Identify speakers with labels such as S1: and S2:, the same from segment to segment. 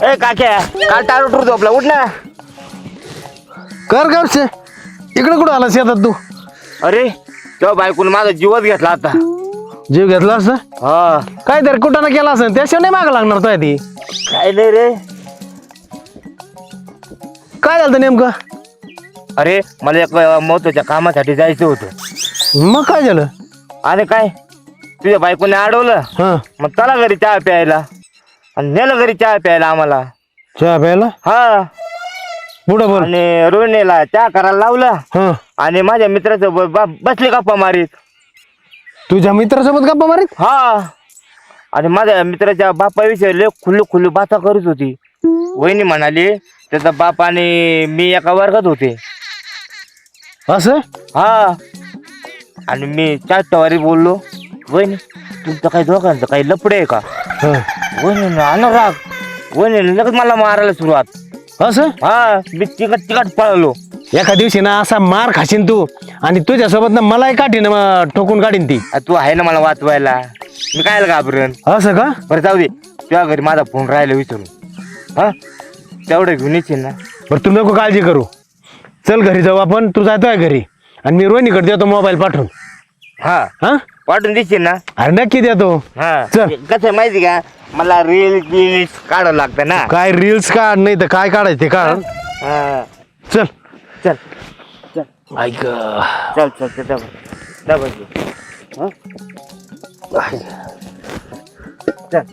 S1: ए काक्या काल टाळ उठून झोपला उठ ना.
S2: कर गावचे इकडे कुठं आला शेतात तू?
S1: अरे तेव्हा बायकोने माझा जीवच घेतला आता.
S2: जीव घेतला असं
S1: हा
S2: काय तर कुठं ना केला असं त्याशिवाय नाही मागं लागणार तो ती.
S1: काय नाही रे.
S2: काय झालं नेमकं?
S1: अरे मला एक महत्वाच्या कामासाठी जायचं होतं.
S2: मग काय झालं?
S1: आणि काय तुझ्या बायकोने अडवलं.
S2: हा
S1: मग चला घरी चहा प्यायला आणि नेलं घरी चहा प्यायला आम्हाला.
S2: चहा प्यायला
S1: हा
S2: पुढं बोल.
S1: आणि रोहिणीला चहा करायला लावला
S2: हा
S1: आणि माझ्या मित्राचं बसले गप्पा मारीत.
S2: तुझ्या मित्रासोबत गप्पा मारीत?
S1: हा आणि माझ्या मित्राच्या बापाविषयी लय खुल्लू बाता करत होती. वहिनी म्हणाली त्याचा बाप आणि मी एका वर्गात होते.
S2: असं?
S1: हा आणि मी चाटवारी बोललो वहिनी तुमचं काही दोघांचं काही लपडे आहे का?
S2: हा.
S1: वहिनी आला राग. वहिनी लगेच मला मारायला सुरुवात.
S2: असं
S1: हा मी तिकट पळलो.
S2: एका दिवशी ना असा मार खाशीन तू आणि तुझ्यासोबत ना मलाही काढीन ठोकून काढीन ती.
S1: तू आहे ना मला वाचवायला. मी काय घाबरेन.
S2: असं का?
S1: बरं जाऊ दे तुझ्या घरी माझा फोन राहिला विचारून. हा तेवढं घेऊन येशील ना?
S2: बरं तू नको काळजी करू. चल घरी जाऊ आपण. तू जातोय घरी आणि मी रोहिणीकडे देतो मोबाईल पाठवून.
S1: हा
S2: हा
S1: पाठवून देशील ना?
S2: अरे नक्की देतो.
S1: हा
S2: चल.
S1: कसं आहे माहिती का मला रील्स काढावं लागतं ना.
S2: काय रील्स काढ नाही तर काय काढायचं ते काढ.
S1: हा
S2: चल
S1: चल चल
S2: ऐक
S1: चल चल चल डबल चल.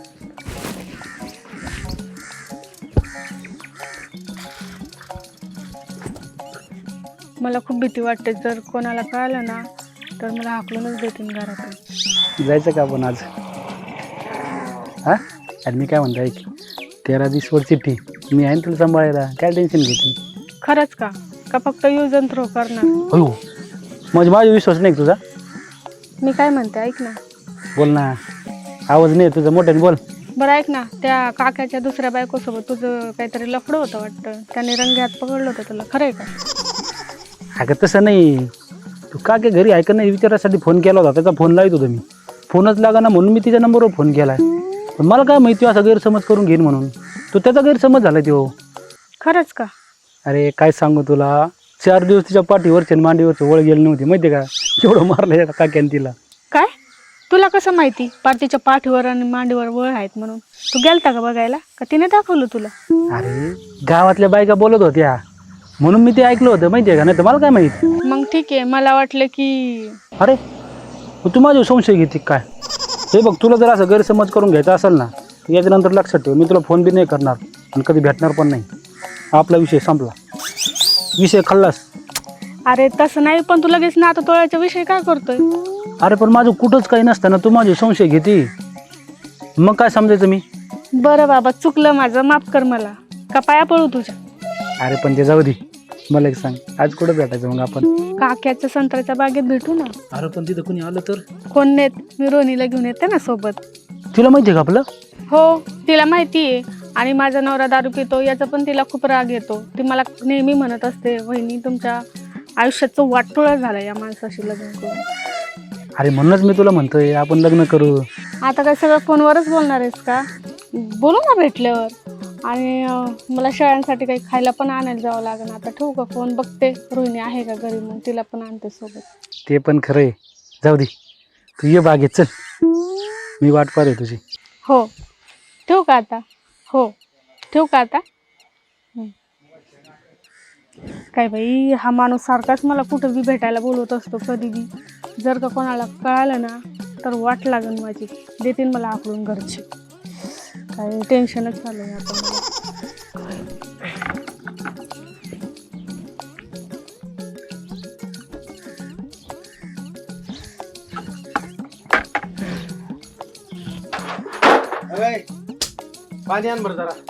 S3: मला खूप भीती वाटते. जर कोणाला कळालं ना तर मला हाकलूनच देतील घरातून.
S4: जायचं का आपण आज? हा आणि मी काय म्हणतो ऐक 13 दिवसवर चिठ्ठी मी आहे ना तुला सांभाळायला. काय टेन्शन घेते?
S3: खरंच का? का फक्त यूज अँड थ्रो करणार?
S4: हो म्हणजे माझा विश्वास नाही तुझा.
S3: मी काय म्हणते ऐक ना.
S4: बोल ना. आवाज नाही तुझा मोठ्याने बोल.
S3: बरं ऐक ना त्या काकाच्या दुसऱ्या बायकोसोबत तुझं काहीतरी लफडं होतं वाटतं. त्याने रंग्यात पकडलं होतं तुला. खरं आहे का?
S4: अगं तसं नाही. तू का काय घरी ऐक नाही विचारासाठी फोन केला होता. त्याचा फोन लावत होतो मी. फोनच लागा ना म्हणून मी तिच्या नंबरवर फोन केला आहे. पण मला काय माहिती असा गैरसमज करून घेईन म्हणून. तो त्याचा गैरसमज झाला तो.
S3: खरंच का?
S4: अरे काय सांगू तुला 4 दिवस तिच्या पाठीवरचे आणि मांडीवरचे वळ गेली नव्हती माहिती आहे का? एवढं मारलं त्या काक्याने तिला.
S3: काय? तुला कसं माहिती पार्टीच्या पाठीवर आणि मांडीवर वळ आहेत म्हणून? तू गेलता का बघायला का तिने दाखवलं तुला?
S4: अरे गावातल्या बायका बोलत होत्या म्हणून मी ते ऐकलं होतं माहिती आहे का? नाही तर मला काय माहिती.
S3: मग ठीक आहे. मला वाटलं की
S4: अरे तू माझ्यावर संशय घेते काय? हे बघ तुला जर असं गैरसमज करून घ्यायचा असेल ना तर याच्यानंतर लक्षात ठेव मी तुला फोन बी नाही करणार आणि कधी भेटणार पण नाही. आपला विषय संपला. विषय खाल्लास.
S3: अरे तसं नाही पण तू लगेच ना आता तोळ्याचा विषय काय करतोय?
S4: अरे पण माझं कुठंच काही नसताना तू माझे संशय घेते. मग काय समजायचं मी?
S3: बरं बाबा चुकलं माझं. माफ कर मला. का पाया पळू तुझ्या?
S4: अरे पण ते जाऊ दे. मला एक सांग आज कुठं भेटायचं मग आपण?
S3: काक्याच्या संत्र्याच्या बागेत भेटू ना.
S4: अरे पण तिथं कुणी आलं तर?
S3: कोण नेत? मी रोनीला घेऊन येते ना सोबत.
S4: तिला माहिती आहे का आपलं?
S3: हो तिला माहिती आहे. आणि माझा नवरा दारू पितो याचा पण तिला खूप राग येतो. ती मला नेहमी म्हणत असते वहिनी तुमच्या आयुष्याचं वाटोळं झालं या माणसाशी लग्न करून.
S4: अरे म्हणूनच मी तुला म्हणतोय आपण लग्न करू.
S3: आता काय सगळं फोनवरच बोलणार आहेस का? बोलू ना भेटल्यावर. आणि मला शेळ्यांसाठी काही खायला पण आणायला जावं लागेल. आता ठेवू का फोन? बघते रोहिणी आहे का घरी मग तिला पण आणते सोबत.
S4: ते पण खरं आहे. जाऊ दे तू ये बागेत चल. मी वाट पाहत आहे तुझी.
S3: हो ठेवू का आता? हो ठेवू का आता? काय बाई हा माणूस सारखाच मला कुठं बी भेटायला बोलवत असतो कधी बी. जर का कोणाला कळालं ना तर वाट लागेल माझी. देतील मला आकडून घरचे. काय टेन्शनच झालं आहे आता मला.
S2: पाणी आण बरं जरा.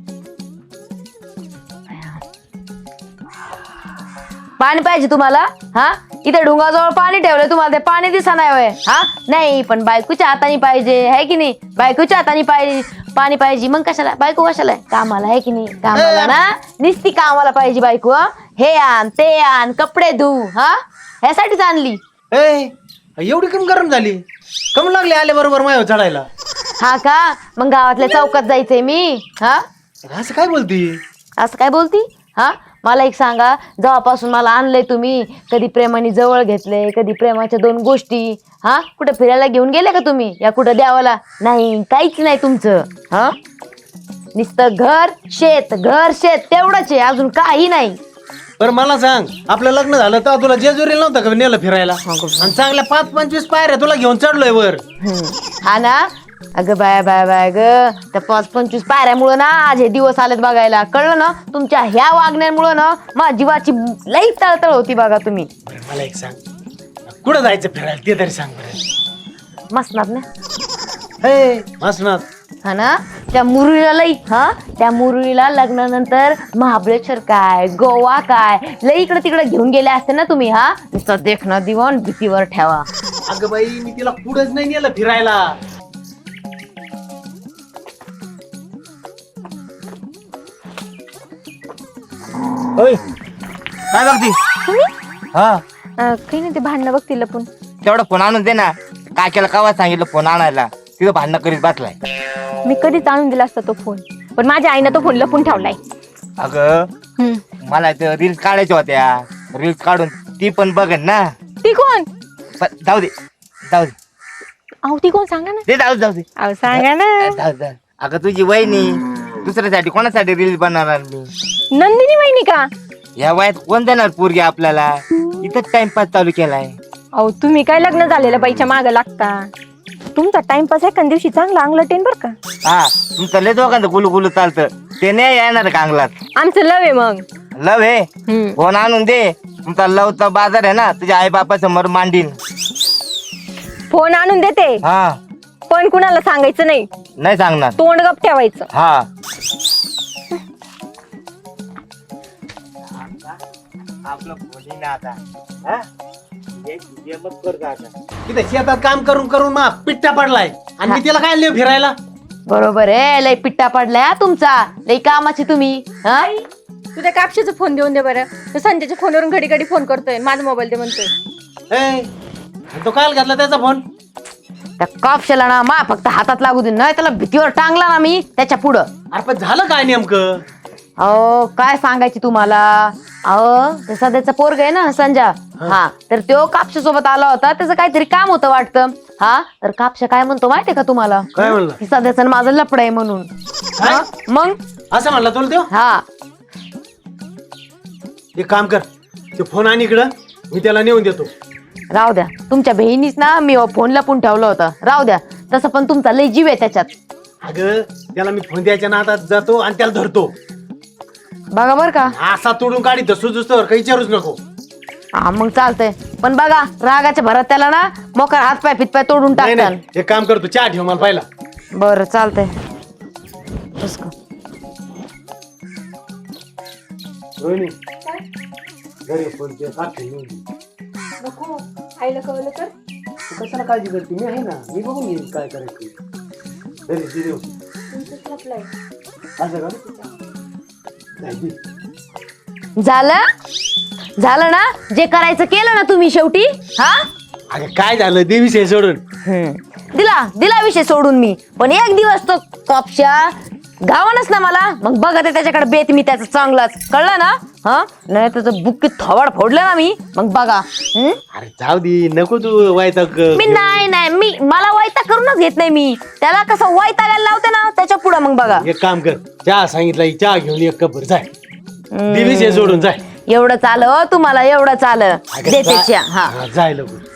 S5: पाणी पाहिजे तुम्हाला? हा इथे डोंगाजवळ पाणी ठेवलंय तुम्हाला ते पाणी दिसा नाही होय? हा नाही पण बायकोच्या हाताने पाहिजे आहे की नाही? बायकोच्या हाताने पाणी पाहिजे. मग कशाला बायको? कशाला कामाला आहे की नाही? कामाला ना निस्ती कामाला पाहिजे बायको. हे आण ते आण कपडे धु. हा ह्यासाठीच आणली.
S2: एवढी कमी गरम झाली कम लागली आले बरोबर मायावर चढायला.
S5: हा का? मग गावातल्या चौकात जायचंय मी. हा
S2: असं काय बोलती?
S5: असं काय बोलती? हा, मला एक सांगा, जेव्हापासून मला आणलंय तुम्ही, कधी प्रेमाने जवळ घेतले, कधी प्रेमाच्या 2 गोष्टी, हा, कुठे फिरायला घेऊन गेले का तुम्ही, या कुठं द्यावाला? नाही, काहीच नाही तुमचं. हा, नुसतं घर शेत तेवढंच आहे, अजून काही नाही.
S2: बरं मला सांग, आपलं लग्न झालं तर तुला जेजुरीला नव्हतं का नेलं फिरायला? आणि चांगल्या 5-25 पायऱ्या तुला घेऊन चढलोय वर.
S5: हा ना. अगं बाय ग, त्या 5-25 पायऱ्यामुळं ना आज हे दिवस आलेत बघायला, कळलं ना? तुमच्या ह्या वागण्यामुळं ना माझ्या जीवाची लई तळतळ होती बघा तुम्ही.
S2: बरं मला एक सांग, कुठं जायचं फिरायला ते तरी सांग बरं.
S5: मसनात ना.
S2: हे मसनात.
S5: हा ना, त्या मुरळीला लग्नानंतर महाबळेश्वर काय, गोवा काय, लई इकडे तिकडे घेऊन गेले असते ना तुम्ही. हा, नुसतं देखणं दिवण भीतीवर ठेवा.
S2: अगं बाई, मी तिला कुठंच नाही नेलं फिरायला.
S1: ओय, काय बघती? हा,
S3: काही नाही, ते भांडणं बघतील लपून.
S1: तेवढा फोन आणून दे ना. काकीला कवा सांगितलं फोन आणायला, तिथं भांडणं करीत बसलाय.
S3: मी कधीच आणून दिला असता तो फोन, पण माझ्या आईनं तो फोन लपून ठेवलाय.
S1: अगं मला तर रील्स काढायच्या होत्या, रील्स काढून ती पण बघन ना.
S3: ती कोण?
S1: पण जाऊ दे.
S3: अहो ती कोण सांगा ना.
S1: जाऊ दे.
S3: अहो सांगा ना.
S1: जाऊ. अगं तुझी वहिनी, दुसऱ्यासाठी कोणासाठी रील्स बनवणार मी?
S3: नंदिनी वहिनी का?
S1: या वयात कोण देणार पोरगी आपल्याला? इथंच टाइमपास चालू केलाय.
S3: अहो तुम्ही काय लग्न झालेल्या बाईच्या मागं लागता? तुमचा टाइमपास एखाद दिवशी चांगला अंगलटेन बर का?
S1: हा, तुमचं लय दोघांचं गुलू चालतं, ते नाही येणार का अंगलात?
S3: आमचं लव आहे मग.
S1: लव आहे? फोन आणून दे. तुमचा लवचा बाजार आहे ना, तुझ्या आई बापा समोर मांडीन.
S3: फोन आणून देते,
S1: हा,
S3: पण कुणाला सांगायचं नाही.
S1: नाही सांगणार.
S3: तोंड गप ठेवायचं.
S1: हा, आपलं फोन ना आता. हा? ये मत कर आता.
S2: तिथे शेतात काम करून करून मा पिट्टा पडलाय आणि मी तिला काय नेऊ फिरायला?
S5: बरोबर आहे, लई पिट्टा पडलाय हा तुमचा, लई कामाची तुम्ही. हा,
S3: तू त्या कापशीचा फोन देऊन दे बरं. तो संजयच्या फोनवरून घडी घडी फोन करतोय, माझा मोबाईल दे म्हणतोय.
S2: ए, तो काल घेतला त्याचा फोन?
S5: त्या कापशाला ना मा फक्त हातात लागू दे, नाही त्याला भीतीवर टांगला ना मी त्याच्या पुढं.
S2: अरे पण झालं काय नेमकं?
S5: अहो काय सांगायची तुम्हाला. अहो ते सध्याचा पोरग आहे ना संजा, हा, तर तो कापशा सोबत आला होता, त्याचं काहीतरी काम होतं वाटतं. हा, तर कापशा काय म्हणतो माहितीये का तुम्हाला?
S2: काय म्हणलं?
S5: की सध्याचं माझं लपड आहे म्हणून. हा, मग
S2: असं म्हणला तुला तो?
S5: हा,
S2: एक काम कर, ते फोन आण इकडं, मी त्याला नेऊन देतो.
S5: राहू द्या, तुमच्या बहिणीच ना मी फोन लपून ठेवला होता, राहू द्या. तसं पण तुमचा लय जीव आहे त्याच्यात.
S2: अगं त्याला मी फोन द्यायच्या नादात जातो आणि त्याला धरतो.
S5: बघा बर का.
S2: असा तोडून काढी सुचूस्तवर काही विचारूच नको.
S5: हा मग चालतंय, पण बघा रागाच्या भरात त्याला ना मोकार हातपाय फितपाय तोडून
S2: नाही
S5: टाकताल.
S2: नाही, एक काम करतो, चहा ठेव मला पाहिला.
S5: बरं चालतंय. बस का.
S2: रोहिणी, घरी फोन ते काढते नेऊन दे.
S3: नको, आईला कळलं तर.
S2: तू कशाला काळजी करते? मी आहे ना, मी बघून घेईन काय करायचं. घरी दे देऊ. असं का? नाही दे.
S5: झालं ना, जे करायचं केलं ना तुम्ही शेवटी. हा,
S2: अगं काय झालं, देवीचे सोडून.
S5: दिला विषय सोडून मी, पण एक दिवस तो कापशा गावानच ना मला, मग बघा ते त्याच्याकडे बेत मी त्याचं चांगलाच, कळलं ना? हा, नाही त्याचं बुक्की थोबाड फोडलं ना मी, मग बघा.
S2: अरे जाऊ दे, नको तू वैताग.
S5: मी नाही मला वैताग करूनच घेत नाही मी, त्याला कसं वैतागायला लावते ना त्याच्या पुढे, मग बघा.
S2: एक काम कर, चहा सांगितला, चहा घेऊन एक कप जाय. देवीचे सोडून जाय.
S5: एवढं चाल तुम्हाला, एवढं चाल देते चहा. हा,
S2: जाय लवकर.